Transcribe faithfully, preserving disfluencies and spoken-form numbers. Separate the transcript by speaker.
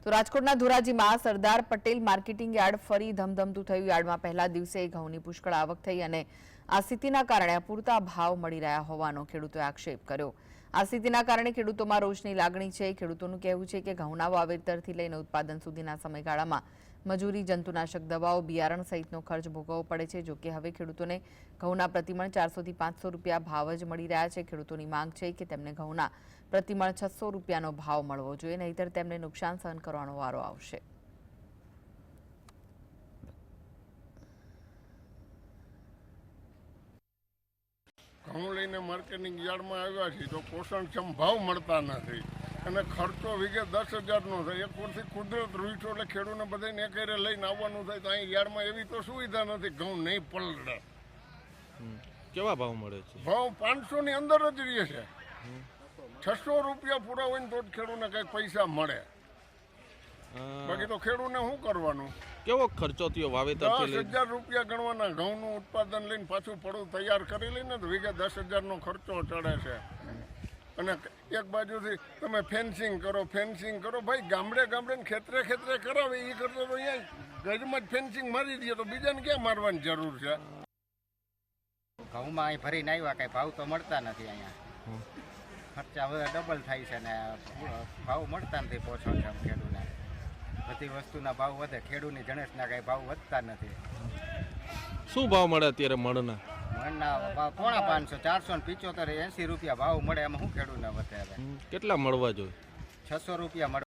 Speaker 1: તો રાજકોટના ધોરાજીમાં સરદાર પટેલ માર્કેટિંગ યાર્ડ ફરી ધમધમતું થયું। યાર્ડમાં પહેલા દિવસે ઘઉંની પુષ્કળ આવક થઈ અને આ સ્થિતિના કારણે અપૂરતા ભાવ મળી રહ્યા હોવાનો ખેડૂતોએ આક્ષેપ કર્યો। આ સ્થિતિના કારણે ખેડૂતોમાં રોષની લાગણી છે। ખેડૂતોનું કહેવું છે કે ઘઉંના વાવેતરથી લઈને ઉત્પાદન સુધીના સમયગાળામાં મજૂરી, જંતુનાશક દવાઓ, બિયારણ સહિતનો ખર્ચ ભોગવવો પડે છે। જો કે હવે ખેડૂતોને ઘઉંના પ્રતિમણ ચારસો થી પાંચસો રૂપિયા ભાવ જ મળી રહ્યા છે। ખેડૂતોની માંગ છે કે તેમને ઘઉંના પ્રતિમણ છસો રૂપિયાનો ભાવ મળવો જોઈએ, નહીંતર તેમને નુકસાન સહન કરવાનો વારો આવશે।
Speaker 2: ઘઉં લઈને માર્કેટિંગ યાર્ડમાં આવ્યા છીએ તો પોષણક્ષમ ભાવ મળતા નથી અને ખર્ચો વીઘે દસ હજારનો થાય। એક વર્ષથી કુદરત રૂઈઠો એટલે ખેડૂતને બધાને એકેરે લઈને આવવાનું થાય, તો અહીં યાર્ડમાં એવી તો સુવિધા નથી, ઘઉં નહીં પલળે।
Speaker 3: કેવા ભાવ મળે છે?
Speaker 2: ભાવ પાંચસો ની અંદર જ રહે છે। છસો રૂપિયા પૂરા હોય ને તો જ ખેડૂતને કંઈક પૈસા મળે, બાકી તો ખેડૂતને શું કરવાનું?
Speaker 3: કેવો ખર્ચો થયો વાવેતર?
Speaker 2: દસ હજાર રૂપિયા ગણવાના। ઘઉંનું ઉત્પાદન લઈને પાછું પડું તૈયાર કરી લઈને તો વીઘે દસ હજારનો ખર્ચો ચડે છે। અને એક બાજુથી તમે ફેન્સિંગ કરો ફેન્સિંગ કરો ભાઈ, ગામડે ગામડે ને ખેતરે ખેતરે કરાવે, એ કરતા તો અહીંયા ગજમાં જ ફેન્સિંગ મારી દઈએ તો બીજાને ક્યાં મારવાની જરૂર છે?
Speaker 4: ઘઉંમાં અહીં ભરીને આવ્યા, કાંઈ ભાવ તો મળતા નથી અહીંયા। ખર્ચા હવે ડબલ થાય છે ને ભાવ મળતા નથી પોષણક્ષમ ખેડૂતને। બધી વસ્તુના ભાવ વધે, ખેડૂતની જણસના કાંઈ ભાવ વધતા નથી।
Speaker 3: શું ભાવ મળે અત્યારે મણના?
Speaker 4: મણના ભાવ પોણા પાંચસો, ચારસો ને પિચોતેર, એસી રૂપિયા ભાવ મળે, એમાં શું ખેડૂતને વધે? હવે
Speaker 3: કેટલા મળવા જોઈએ?
Speaker 4: છસો રૂપિયા મળે।